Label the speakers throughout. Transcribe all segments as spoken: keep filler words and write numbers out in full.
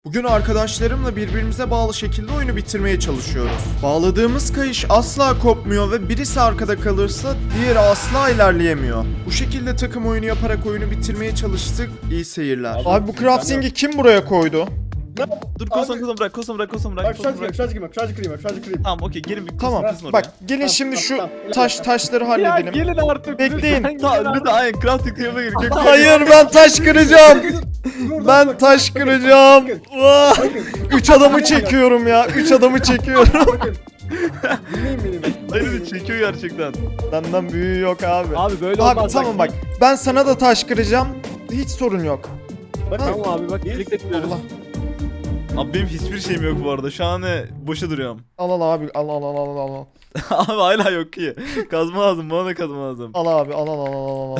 Speaker 1: Bugün arkadaşlarımla birbirimize bağlı şekilde oyunu bitirmeye çalışıyoruz. Bağladığımız kayış asla kopmuyor ve birisi arkada kalırsa diğeri asla ilerleyemiyor. Bu şekilde takım oyunu yaparak oyunu bitirmeye çalıştık. İyi seyirler. Abi bu crafting'i kim buraya koydu?
Speaker 2: Dur kosan kosan bırak kosan bırak kosan bırak
Speaker 3: Bak
Speaker 2: kosan
Speaker 3: şarj
Speaker 2: bırak.
Speaker 3: kırayım, şarj kırayım, şarj kırayım, şarj kırayım.
Speaker 2: Tamam okey gelin bir
Speaker 1: Tamam
Speaker 2: kısın oraya.
Speaker 1: bak gelin
Speaker 3: Tamam,
Speaker 1: şimdi
Speaker 3: tamam,
Speaker 1: şu
Speaker 3: tamam.
Speaker 1: taş taşları
Speaker 4: Ya
Speaker 1: halledelim.
Speaker 4: gelin artık.
Speaker 1: Bekleyin.
Speaker 4: lütfen
Speaker 2: Tamam
Speaker 4: gelin
Speaker 2: lütfen aynen crafting table'a gir. Gök-
Speaker 1: Hayır ben taş kıracağım.
Speaker 3: Dur,
Speaker 1: Ben
Speaker 3: dur,
Speaker 1: taş
Speaker 3: bakın,
Speaker 1: kıracağım.
Speaker 3: bakın,
Speaker 1: Vah!
Speaker 3: bakın,
Speaker 1: Üç adamı çekiyorum ya. Üç adamı çekiyorum.
Speaker 3: bakın. Dinleyin beni.
Speaker 2: Hayır çekiyor gerçekten.
Speaker 1: Benden büyüğü yok abi.
Speaker 4: Abi böyle
Speaker 1: Abi
Speaker 4: olmaz.
Speaker 1: tamam bak. Ben sana da taş kıracağım. Hiç sorun yok.
Speaker 3: Bakın.
Speaker 4: Tamam abi bak birlikte tutuyoruz.
Speaker 1: Allah.
Speaker 2: Abi benim hiçbir şeyim yok bu arada. Şu an ne boşa duruyorum.
Speaker 1: Al al abi. Al al al al al.
Speaker 2: Abi hala yok ki. Kazma lazım bana da kazma lazım.
Speaker 1: Al abi. Al al al al al.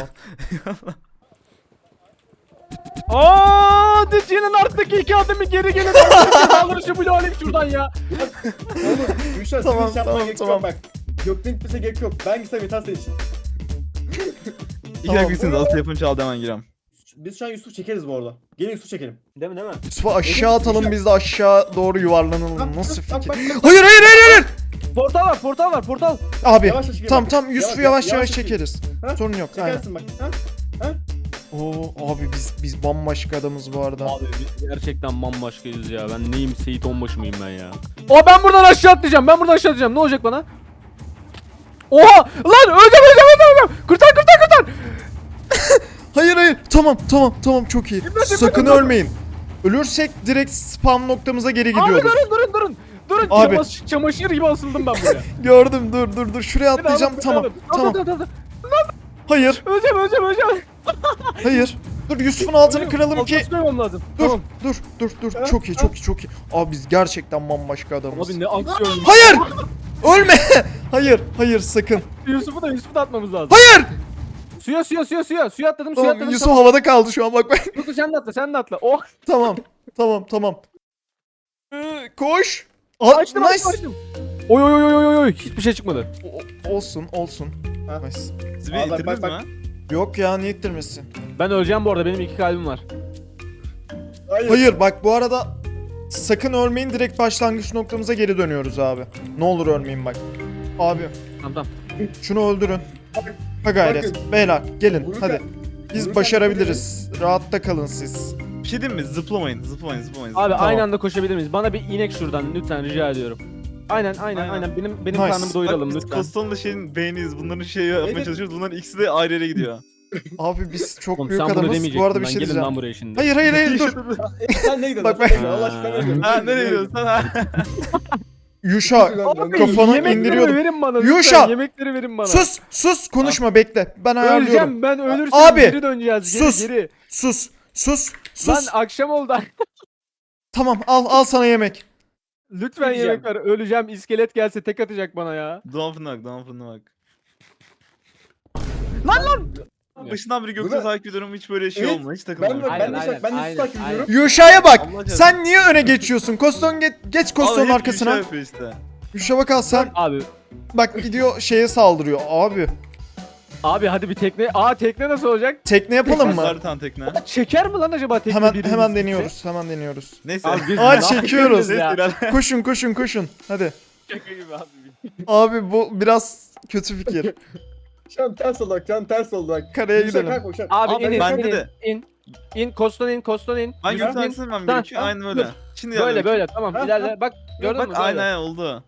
Speaker 4: Aaa Dici'nin arttaki iki adımı geri gelin. Alır şu bloğu alayım şuradan ya.
Speaker 3: Oğlum, Gülşah
Speaker 1: Tamam,
Speaker 3: senin iş yapmana
Speaker 1: tamam,
Speaker 3: gerek
Speaker 1: tamam.
Speaker 3: yok bak. Gökten gitmese gerek yok. Ben gitsem yeter senin için.
Speaker 2: İki
Speaker 1: Tamam.
Speaker 2: dakika gitsiniz asıl telefonu çaldı hemen girem.
Speaker 3: Biz şu an Yusuf çekeriz bu arada. Gelin Yusuf çekelim.
Speaker 4: Değil mi değil mi?
Speaker 1: Yusuf'u aşağı atalım biz de aşağı doğru yuvarlanalım.
Speaker 3: Bak,
Speaker 1: Nasıl
Speaker 3: bak,
Speaker 1: fikir?
Speaker 3: bak, bak.
Speaker 1: Hayır hayır hayır hayır.
Speaker 4: Portal var portal var portal.
Speaker 1: Abi
Speaker 3: Yavaş yavaş
Speaker 1: tam
Speaker 3: bak.
Speaker 1: tam Yusuf'u
Speaker 3: Yavaş,
Speaker 1: yavaş yavaş
Speaker 3: yavaş
Speaker 1: çekeriz.
Speaker 3: Ha?
Speaker 1: Sorun yok. Aynen.
Speaker 3: Çekersin bak. Ha?
Speaker 1: Oo abi biz biz bambaşka adamız bu arada.
Speaker 4: Abi biz gerçekten bambaşkayız ya. Ben neyim Seyit Onbaşı mıyım ben ya? O ben buradan aşağı atlayacağım. Ben buradan aşağı atlayacağım. Ne olacak bana? Oha! Lan öleceğim öleceğim öleceğim. öleceğim. Kurtar kurtar kurtar.
Speaker 1: Hayır hayır. Tamam tamam tamam çok iyi. Sakın ölmeyin. Ölürsek direkt spam noktamıza geri
Speaker 4: Abi
Speaker 1: gidiyoruz.
Speaker 4: durun durun durun. Durun
Speaker 1: Abi.
Speaker 4: çamaşır, çamaşır gibi asıldım ben buraya.
Speaker 1: Gördüm dur dur dur şuraya
Speaker 4: Beni
Speaker 1: atlayacağım.
Speaker 4: alın,
Speaker 1: Tamam
Speaker 4: beni alın.
Speaker 1: tamam.
Speaker 4: Dur, dur, dur, dur.
Speaker 1: Hayır
Speaker 4: Öleceğim öleceğim öleceğim.
Speaker 1: hayır. Dur Yusuf'un altını kıralım ki.
Speaker 4: Altına koymam lazım.
Speaker 1: Dur
Speaker 4: Tamam.
Speaker 1: dur dur dur. Çok iyi çok iyi çok iyi. Abi biz gerçekten bambaşka adamız.
Speaker 4: Abi ne aksiyon.
Speaker 1: Hayır! Ölme! Hayır, hayır sakın.
Speaker 4: Yusuf'u da Yusuf'u da atmamız lazım.
Speaker 1: Hayır!
Speaker 4: Suya suya suya suya. Suya atladım suya
Speaker 1: Tamam,
Speaker 4: atladım.
Speaker 1: Yusuf havada kaldı şu an bak bak.
Speaker 4: Dur dur sen de atla sen de atla. Oh.
Speaker 1: Tamam, tamam, tamam. Ee, koş. Aa,
Speaker 4: Açtım
Speaker 1: nice.
Speaker 4: açtım açtım. Oy oy oy oy oy oy. Hiçbir şey çıkmadı.
Speaker 1: O- olsun, olsun.
Speaker 3: Ha.
Speaker 1: Nice.
Speaker 2: Siz
Speaker 3: Aa,
Speaker 2: beni
Speaker 3: bak,
Speaker 2: itirdiniz
Speaker 3: bak,
Speaker 2: mi?
Speaker 1: Yok ya, niye ittirmesin?
Speaker 4: Ben öleceğim bu arada benim iki kalbim var.
Speaker 3: Hayır.
Speaker 1: Hayır bak bu arada sakın ölmeyin, direkt başlangıç noktamıza geri dönüyoruz abi. Ne olur ölmeyin bak. Abi
Speaker 4: Tamam tamam.
Speaker 1: şunu öldürün. Ha gayret.
Speaker 3: Bakın.
Speaker 1: Beyler gelin
Speaker 3: Vururken-
Speaker 1: hadi. Biz
Speaker 3: vururken
Speaker 1: başarabiliriz. Rahatta kalın siz.
Speaker 2: Bir şey diyeyim mi? Zıplamayın zıplamayın zıplamayın.
Speaker 4: Abi
Speaker 1: Tamam.
Speaker 4: aynı anda koşabilir miyiz? Bana bir inek şuradan lütfen rica ediyorum. Aynen aynen
Speaker 2: Aynen.
Speaker 4: aynen. Benim benim
Speaker 1: Nice.
Speaker 4: karnımı doyuralım
Speaker 2: Bak biz
Speaker 4: lütfen.
Speaker 2: Koston'la şeyin beğeniyiz. Bunların şeyi yapmaya
Speaker 3: Evet.
Speaker 2: çalışıyoruz. Bunların ikisi de ayrı yere gidiyor.
Speaker 1: Abi biz çok
Speaker 4: Oğlum
Speaker 1: büyük
Speaker 4: sen bunu
Speaker 1: adamız.
Speaker 4: demeyecektin.
Speaker 1: Bu arada bir
Speaker 4: Ben
Speaker 1: şey
Speaker 4: gelin
Speaker 1: diyeceğim.
Speaker 4: lan buraya şimdi.
Speaker 1: Hayır hayır hayır dur.
Speaker 3: E, sen ne gidiyorsun?
Speaker 1: Bak, bak.
Speaker 3: Sen ne gidiyorsun? Allah aşkına ne gidiyorsun?
Speaker 2: Ha nereye gidiyorsun sen ha?
Speaker 1: Yuşa
Speaker 4: Abi
Speaker 1: kafanı
Speaker 4: yemekleri
Speaker 1: indiriyordum.
Speaker 4: verin bana
Speaker 1: Yuşa!
Speaker 4: lütfen. Yemekleri verin bana.
Speaker 1: sus sus konuşma bekle. Ben ayarlıyorum.
Speaker 4: Öleceğim ben ölürsem
Speaker 1: Abi,
Speaker 4: geri döneceğiz geri
Speaker 1: sus.
Speaker 4: geri.
Speaker 1: Sus sus
Speaker 4: Lan
Speaker 1: sus.
Speaker 4: akşam oldu.
Speaker 1: Tamam al al sana yemek.
Speaker 4: Lütfen
Speaker 3: Yiyeceğim.
Speaker 4: yemek ver. Öleceğim. İskelet gelse tek atacak bana ya.
Speaker 2: Doğan fırına bak Doğan fırına bak.
Speaker 4: Lan lan.
Speaker 2: Başından beri Gökçe
Speaker 3: Buna-
Speaker 2: takip ediyorum hiç böyle şey
Speaker 3: Evet.
Speaker 2: olmuyor hiç
Speaker 3: Ben de
Speaker 2: takılmıyorum.
Speaker 3: ben
Speaker 4: Aynen,
Speaker 3: de
Speaker 4: aynen,
Speaker 3: ben de
Speaker 4: aynen,
Speaker 3: Yusuf takip
Speaker 4: aynen.
Speaker 3: ediyorum.
Speaker 1: Yuşa'ya bak.
Speaker 2: Allah aşkına.
Speaker 1: Sen niye öne geçiyorsun? Koston geç, geç Koston'un
Speaker 2: Vallahi hep
Speaker 1: arkasına.
Speaker 2: Gülşah yapıyor işte.
Speaker 1: Yuşa bak al sen.
Speaker 4: Abi.
Speaker 1: Bak gidiyor şeye saldırıyor. Abi
Speaker 4: Abi hadi bir tekne. Aa tekne nasıl olacak?
Speaker 1: tekne yapalım mı?
Speaker 2: Var bir tane tekne.
Speaker 4: Çeker mi lan acaba tekne
Speaker 1: Hemen
Speaker 4: birimiz
Speaker 1: hemen
Speaker 4: gitse?
Speaker 1: deniyoruz. Hemen deniyoruz.
Speaker 2: Neyse.
Speaker 4: Abi biz
Speaker 1: Aa,
Speaker 4: ne
Speaker 1: çekiyoruz.
Speaker 4: yapıyoruz
Speaker 2: Neyse
Speaker 4: ya?
Speaker 2: ilerle.
Speaker 1: Koşun koşun koşun. Hadi.
Speaker 4: Şaka gibi abi.
Speaker 1: Abi bu biraz kötü fikir.
Speaker 3: Şu an ters oldu bak. Şu an ters oldu bak.
Speaker 1: Karaya
Speaker 3: Yusuf,
Speaker 1: gidelim.
Speaker 3: kalkma, şu an.
Speaker 4: Abi
Speaker 2: Abi,
Speaker 4: in in
Speaker 2: bende
Speaker 4: in,
Speaker 2: de.
Speaker 4: in. İn koston in koston in.
Speaker 2: Ben
Speaker 4: Yürü,
Speaker 2: Gökçe
Speaker 4: in.
Speaker 2: aksın ben
Speaker 4: Tamam,
Speaker 2: gerekiyor. Aynen öyle.
Speaker 4: dur.
Speaker 2: Şimdi
Speaker 4: Böyle
Speaker 2: ilerle.
Speaker 4: böyle tamam
Speaker 3: Ha,
Speaker 4: ilerle.
Speaker 3: ha.
Speaker 4: Bak gördün
Speaker 2: Bak
Speaker 4: mü?
Speaker 2: aynen
Speaker 4: Böyle.
Speaker 2: aynen oldu.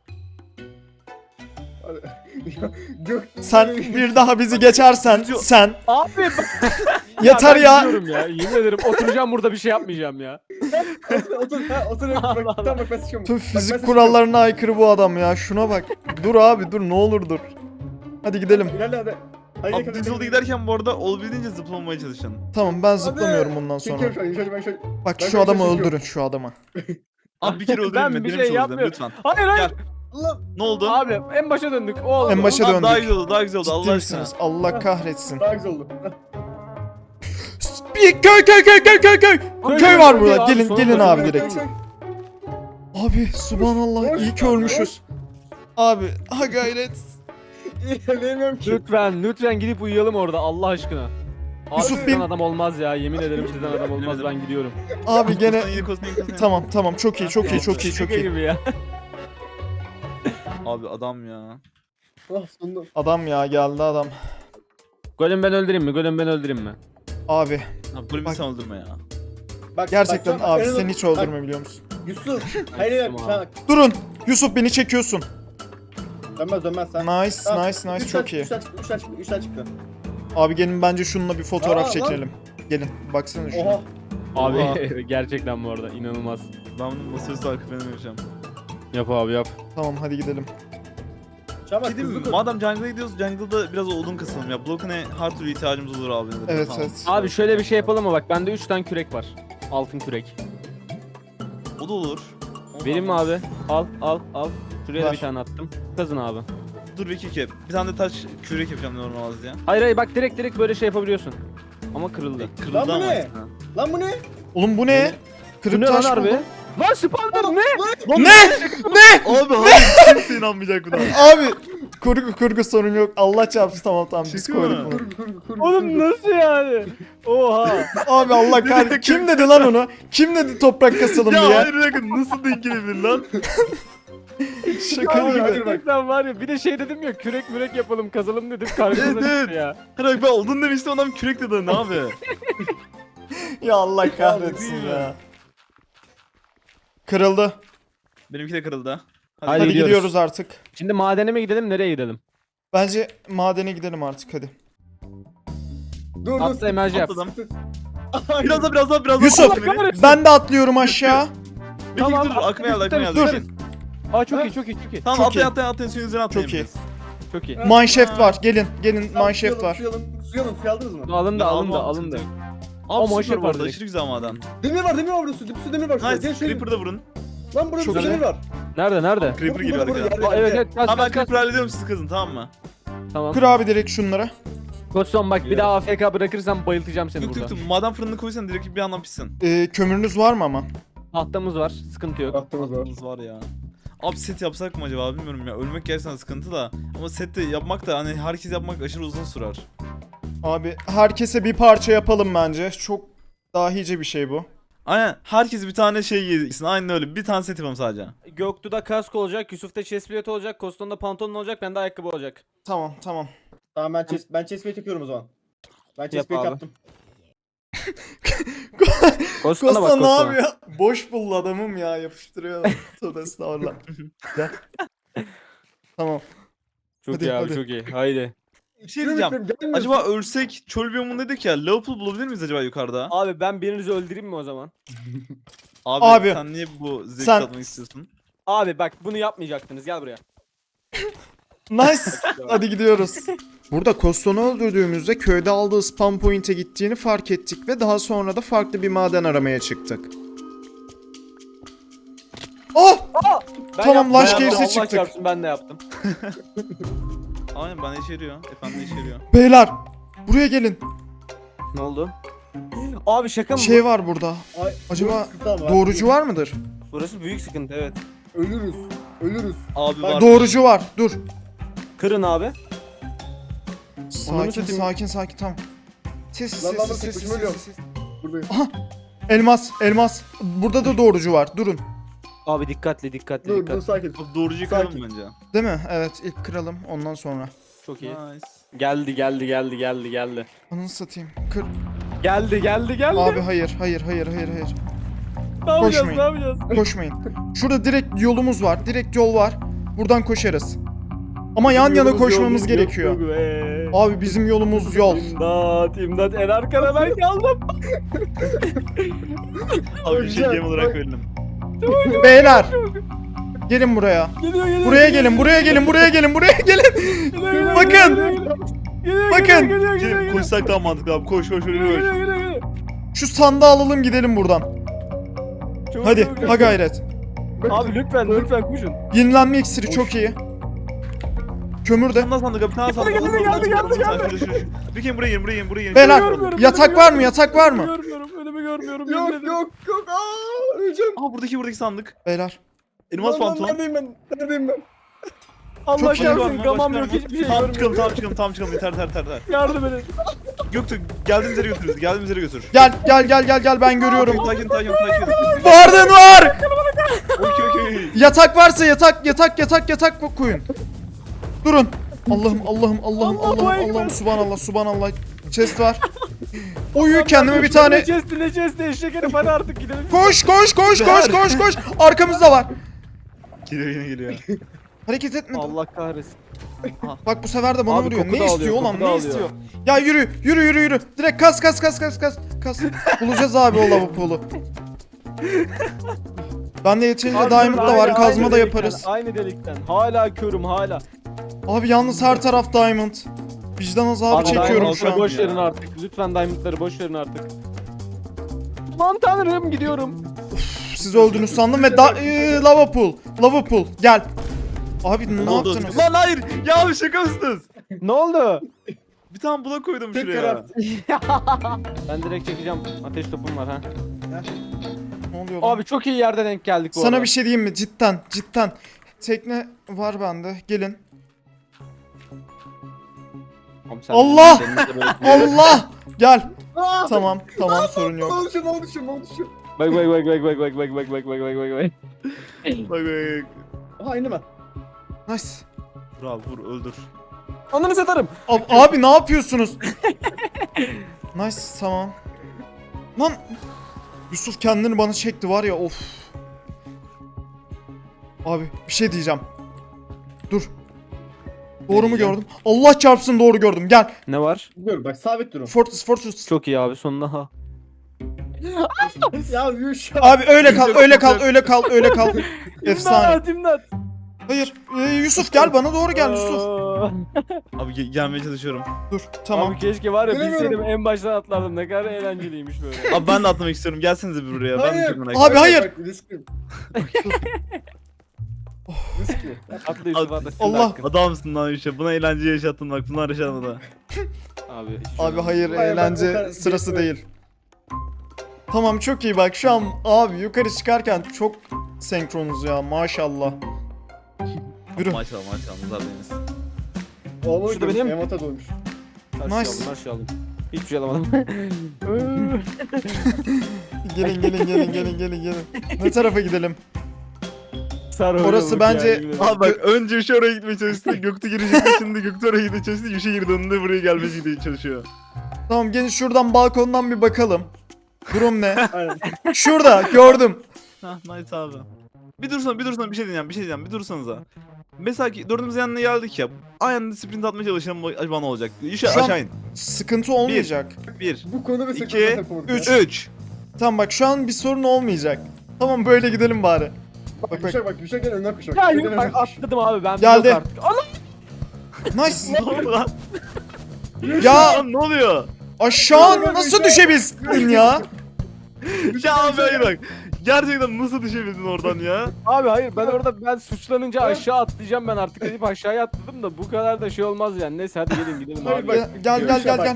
Speaker 3: Gök.
Speaker 1: Sen bir daha bizi geçersen sen
Speaker 4: Abi bak.
Speaker 1: yeter
Speaker 4: ben
Speaker 1: ya.
Speaker 4: gidiyorum ya. Yemin ederim oturacağım burada bir şey yapmayacağım ya.
Speaker 3: Otur otur. Ha otur.
Speaker 4: Allah
Speaker 3: Bak tamam bak ben sıçıyorum.
Speaker 1: Tüm
Speaker 3: Bak, ben
Speaker 1: fizik
Speaker 3: sıçıyorum.
Speaker 1: kurallarına aykırı bu adam ya. Şuna bak. Dur abi dur ne olur dur. Hadi gidelim.
Speaker 3: İlerle hadi. Hadi
Speaker 2: Abi düz yolda giderken bu arada olabildiğince zıplamaya çalışın.
Speaker 1: Tamam ben zıplamıyorum bundan sonra.
Speaker 3: Çekiyorum şu an. Yuşa, ben şöyle.
Speaker 1: Bak
Speaker 3: Ben
Speaker 1: şu
Speaker 3: şöyle
Speaker 1: adamı
Speaker 3: çekiyorum.
Speaker 1: öldürün şu adamı.
Speaker 2: Abi bir kere
Speaker 4: Ben
Speaker 2: öldürün mi?
Speaker 4: bir
Speaker 2: Benim
Speaker 4: şey
Speaker 2: için öldürün
Speaker 4: yapmıyorum.
Speaker 2: lütfen.
Speaker 4: Hayır hayır.
Speaker 3: Allah.
Speaker 2: Ne oldu?
Speaker 4: Abi en başa döndük. O oldu.
Speaker 1: En başa
Speaker 2: Abi
Speaker 1: döndük.
Speaker 2: daha güzel oldu daha güzel oldu
Speaker 1: Ciddi
Speaker 2: Allah aşkına.
Speaker 1: misiniz? Allah kahretsin.
Speaker 3: Daha güzel oldu.
Speaker 1: Bir köy köy köy köy köy köy.
Speaker 4: Köy,
Speaker 1: Köy
Speaker 4: köy,
Speaker 1: var
Speaker 4: köy
Speaker 1: burada.
Speaker 4: abi,
Speaker 1: Gelin
Speaker 4: sonunda
Speaker 1: gelin
Speaker 4: köy,
Speaker 1: abi
Speaker 4: köy,
Speaker 1: direkt. Abi subhanallah iyi ki ölmüşüz. Abi ha gayret.
Speaker 3: İlerleyemiyorum ki.
Speaker 4: Lütfen lütfen gidip uyuyalım orada Allah aşkına. Abi
Speaker 1: Yusuf
Speaker 4: sizden
Speaker 1: bin.
Speaker 4: adam olmaz ya. Yemin ederim sizden adam olmaz. Ben gidiyorum.
Speaker 1: Abi gene
Speaker 2: Kostan, yine kostan, yine kostan.
Speaker 1: tamam tamam çok iyi çok iyi çok iyi çok
Speaker 4: Şaka
Speaker 1: iyi.
Speaker 4: gibi ya.
Speaker 2: Abi adam ya.
Speaker 3: Ah sonunda.
Speaker 1: Adam ya geldi adam.
Speaker 4: Golem ben öldüreyim mi? Golem ben öldüreyim mi?
Speaker 1: Abi
Speaker 2: Abi böyle bir
Speaker 1: Bak.
Speaker 2: sen öldürme ya.
Speaker 3: Bak,
Speaker 1: gerçekten
Speaker 3: bak,
Speaker 1: abi
Speaker 3: en azından-
Speaker 1: seni hiç
Speaker 3: bak,
Speaker 1: öldürme biliyor musun?
Speaker 3: Yusuf. Hayır hayır.
Speaker 4: Tamam.
Speaker 3: Sen
Speaker 1: Durun. Yusuf beni çekiyorsun.
Speaker 3: dönmez dönmez sen.
Speaker 1: Nice
Speaker 3: Tamam,
Speaker 1: nice nice
Speaker 3: üç
Speaker 1: çok
Speaker 3: tane-
Speaker 1: iyi.
Speaker 3: üç tane çıktı, üç tane çıktı, üç tane çıktı.
Speaker 1: Abi gelin bence şununla bir fotoğraf
Speaker 3: Aa, lan.
Speaker 1: çekelim. Gelin baksana şuna.
Speaker 3: Oha.
Speaker 4: Abi
Speaker 1: Oha.
Speaker 4: gerçekten bu arada inanılmaz.
Speaker 2: Ben bunu masaüstü arka planı vereceğim.
Speaker 4: Yap abi yap.
Speaker 1: Tamam hadi gidelim.
Speaker 3: Şu an bak,
Speaker 2: Gideyim mi?
Speaker 3: hızlı koş.
Speaker 2: Madem jungle'a gidiyoruz, jungle'da biraz odun kasalım ya. Block'une her türlü ihtiyacımız olur abi.
Speaker 1: Evet
Speaker 2: Tamam.
Speaker 1: evet.
Speaker 4: Abi şöyle bir şey yapalım mı? Bak bende üç tane kürek var. Altın kürek.
Speaker 2: O da olur. Onu
Speaker 4: Vereyim mi
Speaker 2: almaz.
Speaker 4: abi? Al al al. Şuraya da
Speaker 1: Ver.
Speaker 4: bir tane attım. Kazın abi.
Speaker 2: Dur bir iki Bir tane de taş kürek yapacağım normal az diye.
Speaker 4: Hayır hayır bak direkt direkt böyle şey yapabiliyorsun. Ama kırıldı.
Speaker 2: Kırıldı
Speaker 3: Lan bu
Speaker 2: ama
Speaker 3: ne?
Speaker 2: aslında.
Speaker 3: Lan bu ne?
Speaker 1: Oğlum bu ne?
Speaker 4: Bu
Speaker 1: Kırık
Speaker 4: ne lan
Speaker 1: taş
Speaker 4: harbi?
Speaker 1: buldum.
Speaker 4: Lan spawner ne?
Speaker 1: Ne? Ne?
Speaker 2: Abi hayır kimse inanmayacak buna.
Speaker 1: Abi kurgu kurgu sorun yok. Allah çarpsın tamam tamam biz
Speaker 2: Şaka mı?
Speaker 1: koyduk bunu.
Speaker 3: Kur kur kur.
Speaker 4: Oğlum nasıl yani? Oha.
Speaker 1: Abi Allah kahretsin. Kim dedi lan onu? Kim dedi toprak kasalım
Speaker 2: Ya
Speaker 1: diye?
Speaker 2: hayır bakın nasıl denk gelebilir lan?
Speaker 1: Şaka
Speaker 3: Abi,
Speaker 1: gibi.
Speaker 3: hayır.
Speaker 4: Gerçekten var ya bir de şey dedim ya kürek mürek yapalım kazalım dedim karşımıza
Speaker 2: Evet,
Speaker 4: çıktı
Speaker 2: evet.
Speaker 4: ya.
Speaker 2: Hayır ben odun demiştim adam kürek dedi ne abi?
Speaker 1: Ya Allah kahretsin
Speaker 2: Abi,
Speaker 1: ya. Kırıldı.
Speaker 2: Benimki de kırıldı.
Speaker 4: Hadi
Speaker 1: Hadi
Speaker 4: gidiyoruz.
Speaker 1: gidiyoruz artık.
Speaker 4: Şimdi madene mi gidelim nereye gidelim?
Speaker 1: Bence madene gidelim artık hadi.
Speaker 3: Dur
Speaker 4: Atla
Speaker 3: dur.
Speaker 4: emerji yap.
Speaker 2: Atladım.
Speaker 3: Hayır.
Speaker 2: Biraz daha biraz daha biraz daha.
Speaker 1: Yusuf
Speaker 2: Atla beni.
Speaker 1: ben de atlıyorum aşağı.
Speaker 2: Bekle,
Speaker 4: Tamam,
Speaker 2: dur dur aklıma geldi aklıma geldi.
Speaker 1: dur.
Speaker 2: Bekle.
Speaker 4: Aa çok iyi çok iyi çok iyi.
Speaker 2: Tamam
Speaker 1: Çok
Speaker 2: atlayın
Speaker 1: iyi.
Speaker 2: atlayın atlayın suyun üzerine atlayın.
Speaker 1: Çok iyi.
Speaker 2: biz.
Speaker 4: Çok iyi.
Speaker 1: Mineshaft var. Gelin gelin
Speaker 3: Tamam,
Speaker 1: mineshaft
Speaker 3: suyu alın,
Speaker 1: var.
Speaker 3: Suyu alın, suyu alın, suyu aldınız mı?
Speaker 4: Alındı
Speaker 2: Ben
Speaker 4: alındı
Speaker 2: almam,
Speaker 4: alındı.
Speaker 2: sıkıntı yok.
Speaker 4: Ama
Speaker 2: Abi süper
Speaker 4: aşırı
Speaker 2: bu arada
Speaker 4: var
Speaker 2: aşırı güzel maden.
Speaker 3: Demir var, demir var burada, su, su demir var şurada. Gel
Speaker 2: Nice
Speaker 3: şöyle.
Speaker 2: Creeper'da vurun.
Speaker 3: Lan burada
Speaker 1: Çok
Speaker 3: su
Speaker 1: iyi.
Speaker 3: demir var.
Speaker 4: Nerede nerede?
Speaker 2: Creeper
Speaker 3: Burada,
Speaker 2: geliyor
Speaker 3: burada,
Speaker 2: arkadan.
Speaker 3: yerde,
Speaker 4: Aa, evet
Speaker 3: yerde.
Speaker 4: evet kaç
Speaker 2: Tamam ben
Speaker 4: kaç kaç.
Speaker 2: Creeper hallediyorum siz kızın tamam mı?
Speaker 4: Tamam.
Speaker 1: Kır abi direkt şunlara.
Speaker 4: Koçson bak bir daha A F K bırakırsam bayıltacağım seni
Speaker 2: Tuk tuk
Speaker 4: burada.
Speaker 2: tuk maden fırınını koysan direkt bir yandan pişsin.
Speaker 1: Ee, kömürünüz var mı ama?
Speaker 4: Tahtamız var sıkıntı yok.
Speaker 3: Baktığımız var.
Speaker 2: Aklımız var ya. Abi set yapsak mı acaba bilmiyorum ya. Ölmek gerçekten sıkıntı da. Ama set de yapmak da hani herkes yapmak aşırı uzun sürer.
Speaker 1: Abi herkese bir parça yapalım bence. Çok dahice bir şey bu.
Speaker 2: Aynen herkes bir tane şey giysin. Aynen öyle. Bir tane set yapalım sadece.
Speaker 4: Göktuğ'da kask olacak, Yusuf'ta chestplate olacak, Koston'da pantolon olacak, bende ayakkabı olacak.
Speaker 1: Tamam tamam.
Speaker 3: Tamam ben chest, ben chestplate yapıyorum o zaman. Ben
Speaker 4: Yap
Speaker 3: chestplate
Speaker 4: abi.
Speaker 3: yaptım.
Speaker 4: Koston'a bak
Speaker 1: Kosta ne
Speaker 4: Koston'a.
Speaker 1: yapıyor? Boş bul adamım ya yapıştırıyor. Tövbe estağfurullah. Gel. Tamam.
Speaker 4: Çok
Speaker 1: Hadi,
Speaker 4: iyi abi
Speaker 1: hadi.
Speaker 4: çok iyi. Haydi.
Speaker 2: Bir şey diyeceğim. Acaba ölsek çöl biyomundaydık ya. Leopold bulabilir miyiz acaba yukarıda?
Speaker 4: Abi ben birinizi öldüreyim mi o zaman?
Speaker 2: Abi,
Speaker 1: Abi,
Speaker 2: sen niye bu zevk
Speaker 1: sen-
Speaker 2: tatmak istiyorsun?
Speaker 4: Abi bak bunu yapmayacaktınız gel buraya.
Speaker 1: Nice. Hadi gidiyoruz. Burada Koston'u öldürdüğümüzde köyde aldığı spawn point'e gittiğini fark ettik ve daha sonra da farklı bir maden aramaya çıktık. Oh!
Speaker 4: Ben
Speaker 1: Tamam,
Speaker 4: yaptım,
Speaker 1: laş
Speaker 4: ben
Speaker 1: gerisi
Speaker 4: yaptım. Allah
Speaker 1: çıktık.
Speaker 4: çarpsın, ben de yaptım.
Speaker 2: Aynen bana işe yarıyor. Efendim işe yarıyor.
Speaker 1: Beyler buraya gelin.
Speaker 4: Ne oldu? Abi şaka
Speaker 1: Bir
Speaker 4: mı?
Speaker 1: şey var burada.
Speaker 3: Ay,
Speaker 1: Acaba
Speaker 3: burası sıkıntı ama.
Speaker 1: Doğrucu var mıdır?
Speaker 4: Burası büyük sıkıntı evet.
Speaker 3: Ölürüz. Ölürüz.
Speaker 2: Abi
Speaker 3: Ben-
Speaker 2: var.
Speaker 1: Doğrucu var. Dur.
Speaker 4: Kırın abi.
Speaker 1: Sakin
Speaker 4: satayım.
Speaker 1: sakin sakin tamam. Sessiz
Speaker 3: Lan, lan,
Speaker 1: sessiz
Speaker 3: lan,
Speaker 1: sessiz
Speaker 3: tek başıma
Speaker 1: sessiz.
Speaker 3: Buradayım.
Speaker 1: Elmas elmas. Burada da doğrucu var. Durun.
Speaker 4: Abi dikkatli dikkatli
Speaker 3: Dur dur
Speaker 4: dikkatli.
Speaker 3: sakin.
Speaker 2: Abi doğrucu kıralım
Speaker 3: Sakin.
Speaker 2: bence.
Speaker 1: Değil mi? Evet ilk kıralım ondan sonra.
Speaker 4: Çok iyi.
Speaker 2: Nice.
Speaker 4: Geldi geldi geldi geldi geldi.
Speaker 1: Ananı satayım. Kır.
Speaker 4: Geldi geldi geldi.
Speaker 1: Abi hayır hayır hayır hayır hayır.
Speaker 4: ne yapacağız
Speaker 1: koşmayın.
Speaker 4: ne yapacağız?
Speaker 1: Koşmayın. Şurada direkt yolumuz var. Direkt yol var. Buradan koşarız. Ama yan yana
Speaker 3: Yolumuz,
Speaker 1: koşmamız
Speaker 3: yolumuz,
Speaker 1: gerekiyor.
Speaker 4: Yok, yok, ee.
Speaker 1: Abi bizim yolumuz yol.
Speaker 4: İmdat imdat en arkada ben kaldım.
Speaker 2: Abi bir şey
Speaker 3: Güzel,
Speaker 2: game olarak
Speaker 3: bak.
Speaker 2: verelim.
Speaker 1: Beyler. Gelin buraya.
Speaker 4: Geliyor geliyor.
Speaker 1: Buraya gelin, buraya gelin, buraya gelin, buraya gelin.
Speaker 4: Geliyor,
Speaker 1: Bakın.
Speaker 4: geliyor, geliyor, geliyor,
Speaker 1: Bakın.
Speaker 4: geliyor, geliyor, geliyor,
Speaker 2: Gelin
Speaker 4: geliyor.
Speaker 2: koşsak daha mantıklı abi. Koş koş koş
Speaker 4: Geliyor,
Speaker 2: koş.
Speaker 4: geliyor, geliyor, geliyor.
Speaker 1: Şu sandığı alalım gidelim buradan.
Speaker 4: Çok
Speaker 1: Hadi,
Speaker 4: çok, çok.
Speaker 1: ha gayret.
Speaker 4: Abi lütfen lütfen koşun.
Speaker 1: Yenilenme iksiri çok iyi. Kömür
Speaker 2: Bir
Speaker 1: de.
Speaker 2: tane daha sandık abi. Bir tane daha sandık.
Speaker 4: Geldi, geldi, geldi, geldi.
Speaker 2: Bir kere buraya gelin buraya gelin buraya gelin.
Speaker 1: Beyler,
Speaker 4: Görmüyorum,
Speaker 1: yatak
Speaker 4: önümü
Speaker 1: var mı?
Speaker 4: görmüyorum.
Speaker 1: Yatak var mı?
Speaker 4: Görmüyorum önümü görmüyorum. yemin
Speaker 3: Yok
Speaker 4: ederim.
Speaker 3: yok yok. Aa öleceğim.
Speaker 2: Aha buradaki buradaki sandık.
Speaker 1: Beyler.
Speaker 2: Elmas
Speaker 3: Lan, lan,
Speaker 2: pantolon.
Speaker 3: Neredeyim ben? Neredeyim ben?
Speaker 4: Allah
Speaker 1: Çok iyi.
Speaker 4: kahretsin gamam yok hiçbir şey
Speaker 2: Tam çıkalım
Speaker 4: görmüyorum.
Speaker 2: tam çıkalım tam çıkalım yeter yeter yeter.
Speaker 4: Yardım edin.
Speaker 2: Göktürk geldiğimiz yere götür bizi geldiğimiz yere götür.
Speaker 1: Gel gel gel gel gel ben görüyorum.
Speaker 2: Sakin sakin sakin.
Speaker 1: Vardın var.
Speaker 2: Okey okey.
Speaker 1: Yatak varsa yatak yatak yatak yatak koyun. Durun. Allah'ım Allah'ım Allah'ım
Speaker 4: Allah, bu
Speaker 1: Allah'ım
Speaker 4: ekber.
Speaker 1: Allah'ım subhanallah subhanallah. Chest var. Oyu kendime bir tane.
Speaker 4: Ne chest'i ne chest'i eşek herif hadi artık gidelim.
Speaker 1: Koş koş koş koş koş koş. Arkamızda var.
Speaker 2: Geliyor yine geliyor.
Speaker 1: Hareket etme.
Speaker 4: Allah kahretsin.
Speaker 1: Bak bu sefer de bana
Speaker 4: Abi
Speaker 1: vuruyor.
Speaker 4: koku
Speaker 1: Ne
Speaker 4: da
Speaker 1: istiyor
Speaker 4: alıyor,
Speaker 1: ulan?
Speaker 4: koku da
Speaker 1: Ne
Speaker 4: alıyor.
Speaker 1: istiyor? Ya yürü yürü yürü yürü. Direkt kas kas kas kas kas kas. Bulacağız abi o lavapolu. Bende yeterince
Speaker 4: Abi,
Speaker 1: diamond da
Speaker 4: aynı-
Speaker 1: var.
Speaker 4: aynı
Speaker 1: Kazma da
Speaker 4: delikten,
Speaker 1: yaparız.
Speaker 4: Aynı delikten. Hala körüm hala.
Speaker 1: Abi yalnız her taraf diamond. Vicdan azabı
Speaker 4: Abi,
Speaker 1: çekiyorum
Speaker 4: diamondları
Speaker 1: şu an.
Speaker 4: boş verin artık. Lütfen diamondları boş verin artık. Aman tanrım gidiyorum.
Speaker 1: Siz öldünüz sandım ve da ee, lava pool. Lava pool. Gel. Abi ne,
Speaker 2: Ne oldu?
Speaker 1: yaptınız?
Speaker 2: Lan hayır. Ya abi şaka mısınız?
Speaker 4: Ne oldu?
Speaker 2: Bir tane blok koydum
Speaker 3: Tek
Speaker 2: şuraya.
Speaker 3: taraf.
Speaker 4: Ben direkt çekeceğim. Ateş topum var ha.
Speaker 1: Ne oluyor lan?
Speaker 4: Abi çok iyi yerde denk geldik bu
Speaker 1: Sana
Speaker 4: arada.
Speaker 1: bir şey diyeyim mi? Cidden, cidden. Tekne var bende. Gelin.
Speaker 4: Abi sen-
Speaker 1: Allah!
Speaker 4: senin de böyle-
Speaker 1: Allah! Gel.
Speaker 3: Aa!
Speaker 1: Tamam, tamam sorun
Speaker 3: Ne
Speaker 1: yok.
Speaker 3: oldu şu ne oldu şu ne oldu şu?
Speaker 4: Bak bak bak bak bak bak bak bak bak bak bak bak bak.
Speaker 2: Bak bak.
Speaker 3: Aha indim ben.
Speaker 1: Nice.
Speaker 2: Vur abi vur öldür.
Speaker 4: Onları satarım.
Speaker 1: Ab- abi ne yapıyorsunuz? Nice, tamam. Lan! Yusuf kendini bana çekti var ya of. Abi bir şey diyeceğim. Dur. Doğru mu gördüm? Allah çarpsın doğru gördüm. Gel.
Speaker 4: Ne var?
Speaker 3: Dur bak sabit durun.
Speaker 1: Fortress Fortress.
Speaker 4: Çok iyi abi sonunda ha.
Speaker 3: Ya Yuş.
Speaker 1: Abi öyle kal, öyle kal, öyle kal, öyle kal. Efsane.
Speaker 4: İmdat imdat.
Speaker 1: Hayır. Ee, Yusuf gel bana doğru gel Yusuf.
Speaker 4: Aa.
Speaker 2: Abi ge- gelmeye çalışıyorum.
Speaker 1: Dur tamam.
Speaker 4: Abi keşke var ya
Speaker 3: Bilemiyorum.
Speaker 4: bilseydim en baştan atlardım ne kadar eğlenceliymiş böyle.
Speaker 2: Abi ben de atlamak istiyorum. Gelsenize bir buraya. Ben de
Speaker 3: Hayır.
Speaker 2: çok merak
Speaker 1: Abi,
Speaker 2: ediyorum.
Speaker 1: hayır.
Speaker 3: Bak, riskli. Riskli.
Speaker 4: Atla Yusuf
Speaker 2: Abi,
Speaker 4: atla. senin
Speaker 1: Allah.
Speaker 4: hakkın.
Speaker 2: Adamsın lan işte. Buna eğlence yaşattın bak. Bunlar yaşatmadı.
Speaker 4: Abi, hiçbir şey
Speaker 1: Abi
Speaker 4: olmaz.
Speaker 1: hayır
Speaker 3: Hayır, ben bu
Speaker 1: eğlence
Speaker 3: kadar-
Speaker 1: sırası değil. Tamam çok iyi bak şu an abi yukarı çıkarken çok senkronuz ya maşallah. Yürü.
Speaker 2: Maşallah maşallah. Nazar değmesin.
Speaker 3: Oğlum
Speaker 4: Şurada benim-
Speaker 3: Emata doymuş.
Speaker 4: Her şeyi
Speaker 1: Nice.
Speaker 4: aldım her şeyi aldım. Hiçbir şey alamadım.
Speaker 1: Gelin gelin gelin gelin gelin gelin. Ne tarafa gidelim?
Speaker 4: Sarı
Speaker 1: Orası
Speaker 4: oynuyorduk
Speaker 1: bence-
Speaker 4: yani, bilmiyorum.
Speaker 2: Abi bak önce Yuşa oraya gitmeye çalıştı. Göktuğ girecekti. Şimdi Göktuğ oraya gitmeye çalıştı. Yuşa girdi. Önünde buraya gelmeye gidiyor çalışıyor.
Speaker 1: Tamam gelin şuradan balkondan bir bakalım. Durum ne?
Speaker 3: Aynen.
Speaker 1: Şurada gördüm.
Speaker 2: Hah nice abi. Bir dursana bir dursana bir şey diyeceğim bir şey diyeceğim bir dursanıza. Mesela ki dördümüz yanına geldik ya. Aynı sprint atmaya çalışalım acaba ne olacak? Yuşa
Speaker 1: Şu an-
Speaker 2: aşağı in.
Speaker 1: Sıkıntı olmayacak.
Speaker 2: Bir.
Speaker 3: Bu konu ve
Speaker 2: İki,
Speaker 3: sıkıntı takılır.
Speaker 1: üç.
Speaker 2: Üç.
Speaker 1: Tamam bak şu an bir sorun olmayacak. Tamam böyle gidelim bari.
Speaker 3: Bak
Speaker 1: bak.
Speaker 3: Yuşa bak Yuşa gel önden koş. bak.
Speaker 4: Ya
Speaker 3: Yuşa
Speaker 4: yok
Speaker 3: gel
Speaker 4: bak
Speaker 3: önden koş.
Speaker 4: atladım abi ben
Speaker 1: Geldi.
Speaker 4: yok artık. Allah!
Speaker 1: Nice.
Speaker 2: Ne oldu lan?
Speaker 1: Ya
Speaker 2: Lan ne oluyor?
Speaker 1: aşağı nasıl düşebildin ya?
Speaker 2: Ya abi hayır bak. Gerçekten nasıl düşebildin oradan ya?
Speaker 4: Abi hayır ben orada ben suçlanınca aşağı atlayacağım ben artık deyip aşağıya atladım da bu kadar da şey olmaz yani. Neyse hadi gelin gidelim
Speaker 3: Hayır,
Speaker 4: abi.
Speaker 3: bak.
Speaker 1: Gel gel gel
Speaker 3: Yuşa
Speaker 1: gel
Speaker 3: bak.
Speaker 1: gel.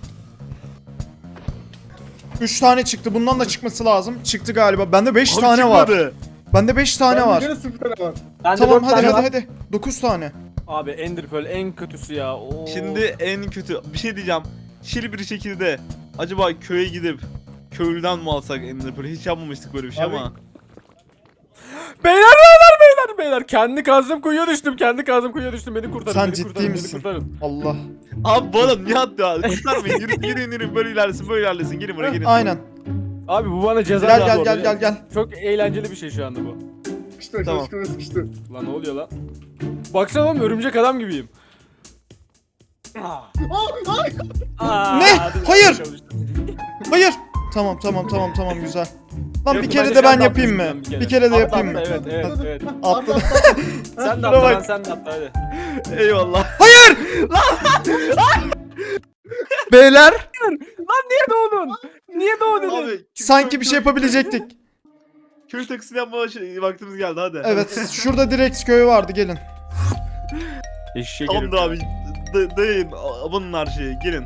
Speaker 1: Üç tane çıktı. Bundan da çıkması lazım. Çıktı galiba. Bende beş
Speaker 2: Abi
Speaker 1: tane var.
Speaker 2: çıkmadı.
Speaker 1: Bende beş tane
Speaker 3: Ben
Speaker 1: var.
Speaker 3: gene sıfır tane var.
Speaker 4: Bende
Speaker 1: Tamam
Speaker 4: dört
Speaker 1: hadi
Speaker 4: tane
Speaker 1: hadi
Speaker 4: var.
Speaker 1: hadi. dokuz tane.
Speaker 4: Abi Ender Pearl en kötüsü ya. Oo.
Speaker 2: Şimdi en kötü bir şey diyeceğim. Şili bir şekilde acaba köye gidip köylüden mi alsak Ender Pearl'ü? Hiç yapmamıştık böyle bir şey
Speaker 3: Abi-
Speaker 2: ama.
Speaker 4: Beyler beyler beyler beyler kendi kazdığım kuyuya düştüm kendi kazdığım kuyuya düştüm beni kurtarın
Speaker 1: Sen
Speaker 4: beni
Speaker 1: ciddi
Speaker 4: kurtarın,
Speaker 1: misin?
Speaker 4: Beni kurtarın.
Speaker 1: Allah.
Speaker 2: Abi bu adam niye attı ya? Kurtarmayın yürü yürü yürü böyle ilerlesin böyle ilerlesin gelin buraya gelin.
Speaker 1: Aynen.
Speaker 4: Abi bu bana ceza
Speaker 1: Gel
Speaker 4: verdi
Speaker 1: gel
Speaker 4: orada.
Speaker 1: gel gel gel.
Speaker 4: Çok eğlenceli bir şey şu anda bu.
Speaker 3: Sıkıştı
Speaker 2: Tamam.
Speaker 3: tamam. sıkıştı.
Speaker 4: Lan ne oluyor lan? Baksana oğlum örümcek adam gibiyim.
Speaker 3: Aa, ay!
Speaker 4: Aa,
Speaker 1: Ne?
Speaker 4: hadi
Speaker 1: Hayır!
Speaker 4: çalıştım.
Speaker 1: Hayır. Tamam tamam tamam tamam güzel. Lan
Speaker 4: Yok,
Speaker 1: bir kere
Speaker 4: bence
Speaker 1: de
Speaker 4: sen
Speaker 1: ben
Speaker 4: de
Speaker 1: yapayım mı?
Speaker 4: atlayacaksın bir
Speaker 1: Bir
Speaker 4: kere.
Speaker 1: kere de
Speaker 4: Atla,
Speaker 1: yapayım mı?
Speaker 4: atla, evet evet evet.
Speaker 1: Atla.
Speaker 4: Sen de
Speaker 1: Şuna
Speaker 4: atla
Speaker 1: bak.
Speaker 4: lan sen de atla hadi.
Speaker 2: Eyvallah.
Speaker 1: Hayır! Beyler
Speaker 4: Lan niye doğdun? Niye doğdun?
Speaker 2: Abi
Speaker 1: sanki bir şey yapabilecektik.
Speaker 2: Köy taksini yapma şey, vaktimiz geldi hadi.
Speaker 1: Evet şurada direkt köy vardı gelin.
Speaker 4: Eşek
Speaker 2: Tamamdır abi. Da- dayayın abonun her şeyi gelin.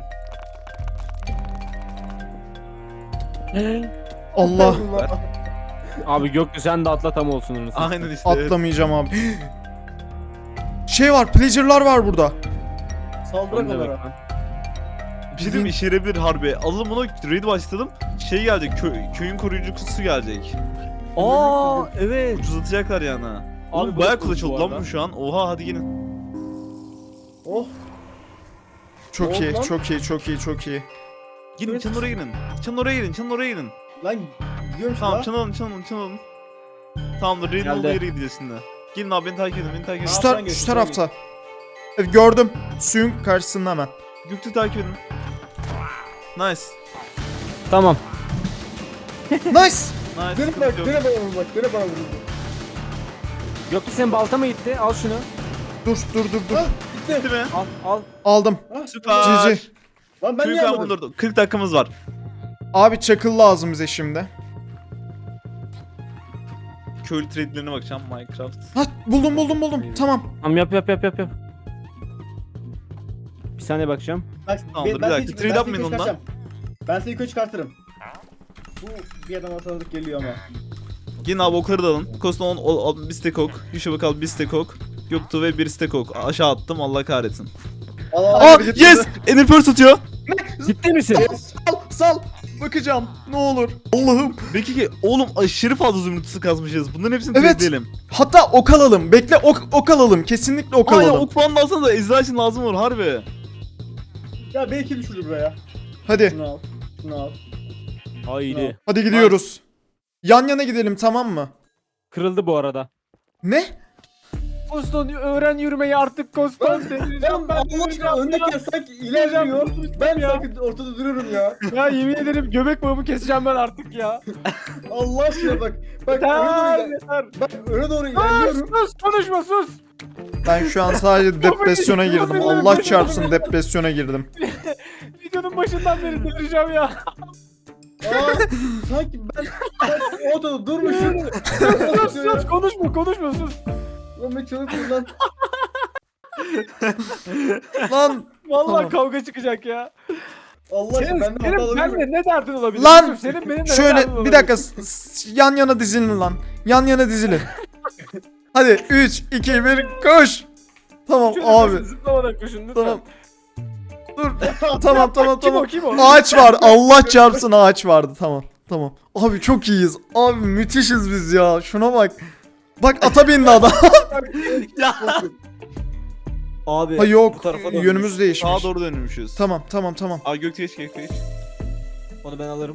Speaker 1: Allah.
Speaker 4: Abi Gökçe sen de atla tam olsun. orası.
Speaker 2: Aynen işte. evet.
Speaker 1: Atlamayacağım abi. Şey var, pillager'lar var burada.
Speaker 3: Saldırak
Speaker 4: Ne
Speaker 3: onlara.
Speaker 4: bak.
Speaker 2: Bir şey diyeyim mi? İşe yarayabilir harbi. Alalım bunu raid başladım. Şey gelecek, kö köyün koruyucusu gelecek.
Speaker 4: Aa evet.
Speaker 2: Ucuzlatacaklar yani.
Speaker 4: Abi
Speaker 2: Abi bayağı
Speaker 4: burası
Speaker 2: kılıç
Speaker 4: bu
Speaker 2: oldu lan
Speaker 4: arada.
Speaker 2: bu şu an. Oha hadi gelin.
Speaker 3: Oh.
Speaker 1: Çok
Speaker 3: Ne
Speaker 1: iyi,
Speaker 3: oldu lan?
Speaker 1: çok iyi, çok iyi, çok iyi.
Speaker 2: Gidin çanın oraya gidin. Çanın oraya gidin, çanın oraya gidin.
Speaker 3: Lan gidiyorum şu
Speaker 2: Tamam
Speaker 3: an.
Speaker 2: çan alın, çan alın, çan alın. Tamamdır, raid'in
Speaker 4: Geldi.
Speaker 2: olduğu yere gideceğiz şimdi. Gelin abi beni takip edin, beni takip
Speaker 1: Şu,
Speaker 2: edin.
Speaker 3: Tamam,
Speaker 1: tar-
Speaker 3: sen geç,
Speaker 1: şu
Speaker 3: sen
Speaker 1: tarafta. Evet, gördüm. Suyun karşısında hemen.
Speaker 2: Göktürk'ü takip edin. Nice.
Speaker 4: Tamam.
Speaker 1: Nice.
Speaker 2: Nice.
Speaker 3: Dene
Speaker 2: sıkıntı
Speaker 3: bak,
Speaker 2: yok.
Speaker 3: dene bana vur bak, dene bana vur.
Speaker 4: Gökçe senin balta mı gitti? Al şunu.
Speaker 1: Dur, dur, dur, dur.
Speaker 3: Ha,
Speaker 2: Bitti
Speaker 3: gitti.
Speaker 2: mi?
Speaker 4: Al al.
Speaker 1: Aldım.
Speaker 3: Ha,
Speaker 2: Süper.
Speaker 1: Cici.
Speaker 3: Lan ben
Speaker 2: Köyü
Speaker 3: niye
Speaker 2: ben
Speaker 3: almadım?
Speaker 2: bulurdum. kırk dakikamız var.
Speaker 1: Abi çakıl lazım bize şimdi.
Speaker 2: Köylü trade'lerine bakacağım Minecraft.
Speaker 1: Ha, buldum, buldum, buldum. Tamam.
Speaker 4: Tamam yap yap yap yap yap. Bir saniye bakacağım.
Speaker 3: Bak,
Speaker 2: Tamamdır,
Speaker 3: ben
Speaker 2: bir
Speaker 3: seni
Speaker 2: dakika.
Speaker 3: çık-
Speaker 2: Trade
Speaker 3: ben seni
Speaker 2: yapmayın
Speaker 3: yukarı
Speaker 2: ondan.
Speaker 3: çıkartacağım. Ben seni yukarı çıkartırım. Bu bir adam tanıdık geliyor ama.
Speaker 2: Gelin abi okları da alın. Kosta on, on, bir stack ok. Yuşa bakalım bir stack ok. Göktuğ ve bir stack ok. Aşağı attım Allah kahretsin.
Speaker 3: Allah
Speaker 2: Aa
Speaker 3: Allah.
Speaker 2: yes! Ender Pearl satıyor.
Speaker 4: Ciddi misin?
Speaker 1: Sal, sal. Bakacağım. Ne olur. Allah'ım.
Speaker 2: Peki ki oğlum aşırı fazla zümrütüsü kazmışız. Bunların hepsini
Speaker 1: Evet.
Speaker 2: trade'leyelim.
Speaker 1: Hatta ok alalım. Bekle, ok, ok alalım. Kesinlikle ok
Speaker 2: Aynen
Speaker 1: alalım.
Speaker 2: ok falan da alsanız da ejderha için lazım olur harbi.
Speaker 3: Ya belki düşürdü buraya.
Speaker 1: Hadi.
Speaker 3: Şunu al. Şunu al.
Speaker 4: Haydi.
Speaker 1: Hadi gidiyoruz. Yan yana gidelim, tamam mı?
Speaker 4: Kırıldı bu arada.
Speaker 1: Ne?
Speaker 4: Koston öğren yürümeyi artık Koston.
Speaker 3: Ben ben Allah aşkına öndeyken sanki ilerliyor. Ben sanki ortada duruyorum ya.
Speaker 4: Ya yemin ederim göbek bağımı keseceğim ben artık ya.
Speaker 3: Allah aşkına bak. Bak öne
Speaker 4: Yeter
Speaker 3: doğru, iler-
Speaker 4: yeter.
Speaker 3: bak öne doğru
Speaker 4: Sus
Speaker 3: ilerliyorum.
Speaker 4: sus konuşma sus.
Speaker 1: Ben şu an sadece depresyona girdim. Allah çarpsın, depresyona girdim.
Speaker 4: Videonun başından beri delireceğim ya.
Speaker 3: Aa, sanki ben, ben ortada durmuşum.
Speaker 4: Sus sus konuşma konuşma sus.
Speaker 3: Lan ben çalıştım lan.
Speaker 1: Lan,
Speaker 4: Vallahi
Speaker 1: Tamam.
Speaker 4: kavga çıkacak ya.
Speaker 3: Allah aşkına
Speaker 4: Senin,
Speaker 3: ben de
Speaker 4: senin
Speaker 3: hata
Speaker 4: benimle
Speaker 3: alabilirim.
Speaker 4: ne derdin olabilir?
Speaker 1: Lan,
Speaker 4: Yusuf, senin benimle ne derdin
Speaker 1: şöyle
Speaker 4: olabilir?
Speaker 1: bir dakika. s- s- Yan yana dizilin lan. Yan yana dizilin. Hadi üç, iki, bir, koş. Tamam
Speaker 4: Şöyle
Speaker 1: abi.
Speaker 4: koşun, zıplamadan koşun lütfen.
Speaker 1: Tamam. Dur. Tamam, tamam,
Speaker 4: Kim
Speaker 1: tamam.
Speaker 4: o kim o?
Speaker 1: Ağaç var. Allah çarpsın, ağaç vardı. Tamam. Tamam. Abi çok iyiyiz. Abi müthişiz biz ya. Şuna bak. Bak ata bindi adam.
Speaker 4: Abi
Speaker 1: Ha yok.
Speaker 4: bu tarafa dönmüş.
Speaker 1: Yönümüz değişmiş.
Speaker 2: Sağa doğru dönmüşüz.
Speaker 1: Tamam, tamam, tamam.
Speaker 2: Aa Göktuğ geç Göktuğ geç.
Speaker 4: Onu ben alırım.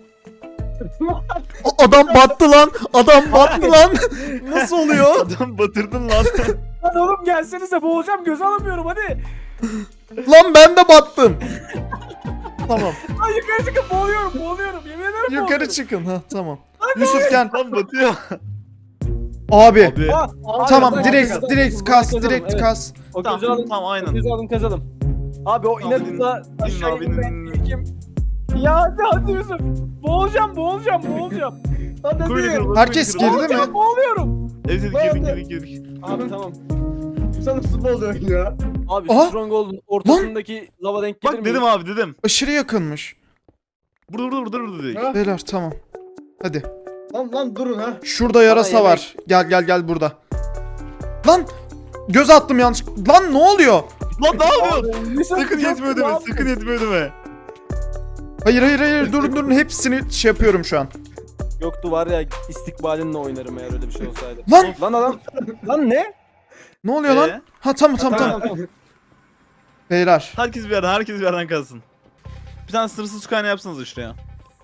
Speaker 1: A- adam battı lan. Adam battı lan. Nasıl oluyor?
Speaker 2: Adam batırdın lan.
Speaker 4: Lan oğlum gelsenize boğulacağım göz alamıyorum hadi.
Speaker 1: Lan ben de battım. Tamam.
Speaker 4: Ay yukarı çıkıp boğuluyorum boğuluyorum yemin ederim
Speaker 1: Yukarı
Speaker 4: boğuluyorum.
Speaker 1: çıkın. Ha, tamam. Yusuf gel.
Speaker 2: Lan batıyor.
Speaker 1: Abi.
Speaker 2: Abi.
Speaker 4: Aa, abi,
Speaker 1: Tamam,
Speaker 4: ben-
Speaker 1: direkt
Speaker 4: ben-
Speaker 1: direkt
Speaker 4: ben-
Speaker 1: kas,
Speaker 4: kazalım,
Speaker 1: direkt
Speaker 4: evet.
Speaker 1: kas.
Speaker 4: O
Speaker 2: Tamam,
Speaker 4: gözü alın.
Speaker 2: tamam, aynen.
Speaker 4: O gözü alın kazalım. Abi o
Speaker 2: Tamam,
Speaker 4: inatla
Speaker 2: din-
Speaker 4: aşağı
Speaker 2: din abi,
Speaker 4: inmeyin.
Speaker 2: din.
Speaker 4: Kim? Ya hadi hadi Yusuf. Boğulacağım boğulacağım boğulacağım. Hadi
Speaker 2: Kuyruğu
Speaker 4: hadi.
Speaker 2: kırıldı,
Speaker 1: Herkes
Speaker 2: kuyruğu kırıldı.
Speaker 1: girdi mi?
Speaker 4: Boğulacağım boğuluyorum.
Speaker 2: Evet evet
Speaker 3: Ben
Speaker 2: girdik
Speaker 3: de-
Speaker 2: girdik girdik.
Speaker 4: Abi tamam.
Speaker 3: Sen nasıl futbol oluyorsun ya?
Speaker 4: Abi
Speaker 1: Aha.
Speaker 4: Stronghold'un ortasındaki lava denk gelir
Speaker 2: Bak
Speaker 4: mi?
Speaker 2: dedim abi dedim.
Speaker 1: Aşırı yakınmış.
Speaker 2: Burada burada burada burada dedik.
Speaker 3: Ha?
Speaker 1: Beyler tamam. Hadi.
Speaker 3: Lan lan durun ha.
Speaker 1: Şurada yarasa
Speaker 4: yemek.
Speaker 1: var. Gel gel gel burada. Lan! Göz attım yanlış. Lan ne oluyor?
Speaker 2: Lan ne yapıyorsun?
Speaker 4: Yusuf,
Speaker 2: Sakın
Speaker 4: Yusuf,
Speaker 2: yetme
Speaker 4: ne
Speaker 2: ödeme.
Speaker 4: yapıyorsun?
Speaker 2: Sakın yetme ödeme.
Speaker 1: Hayır hayır hayır durun durun hepsini şey yapıyorum şu an.
Speaker 4: Yoktu var ya istikbalinle oynarım eğer öyle bir şey olsaydı.
Speaker 1: Lan!
Speaker 4: Lan adam. Lan ne?
Speaker 1: Ne oluyor lan?
Speaker 2: Ee?
Speaker 1: Ha tamam tamam tamam. Beyler.
Speaker 2: Herkes bir yerden, herkes bir yerden kalsın. Bir tane sınırsız su kaynağı yapsanız şuraya.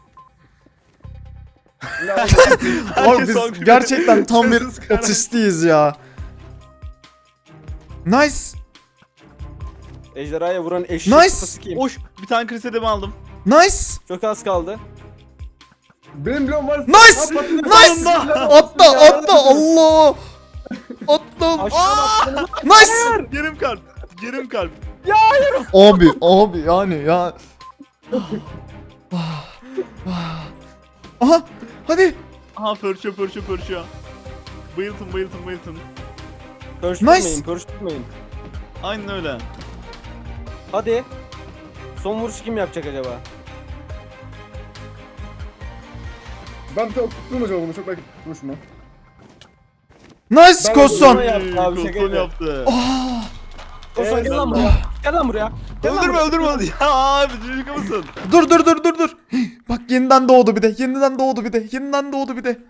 Speaker 3: Ya,
Speaker 1: Abi biz
Speaker 2: son-
Speaker 1: gerçekten tam bir
Speaker 2: Sınırsız kaynağı.
Speaker 1: otistiyiz ya. Nice.
Speaker 4: Ejderhaya vuran eşek
Speaker 1: Nice.
Speaker 4: kafası kim?
Speaker 2: Oş, bir tane krisedemi aldım.
Speaker 1: Nice.
Speaker 4: Çok az kaldı.
Speaker 3: benim bloğum var.
Speaker 1: Nice!
Speaker 3: Ha, patladı.
Speaker 1: Nice! Atla atla Allah. Attım.
Speaker 4: Aşağı bak.
Speaker 1: Nice.
Speaker 2: Yarım kalp. Yarım kalp.
Speaker 1: Abi abi yani ya. Aha hadi.
Speaker 2: Aha pörçüyor pörçüyor pörçüyor. Bayıltın bayıltın bayıltın.
Speaker 4: Pörş
Speaker 1: Nice.
Speaker 4: tutmayın, pörş tutmayın.
Speaker 2: Aynen öyle.
Speaker 4: Hadi. Son vuruşu kim yapacak acaba?
Speaker 3: Ben bir tane tuttum acaba bunu çok belki tutmuşum lan.
Speaker 1: Nice Koston.
Speaker 3: Ben yaptı abi,
Speaker 2: Koston
Speaker 3: şaka
Speaker 2: yaptı.
Speaker 1: Ah,
Speaker 5: Koston gel lan buraya. Gel lan buraya. Gel lan
Speaker 2: Öldürme
Speaker 5: buraya.
Speaker 2: öldürme. Ya abi çocuk mısın?
Speaker 1: dur dur dur dur dur. Bak yeniden doğdu bir de. Yeniden doğdu bir de. Yeniden doğdu bir de.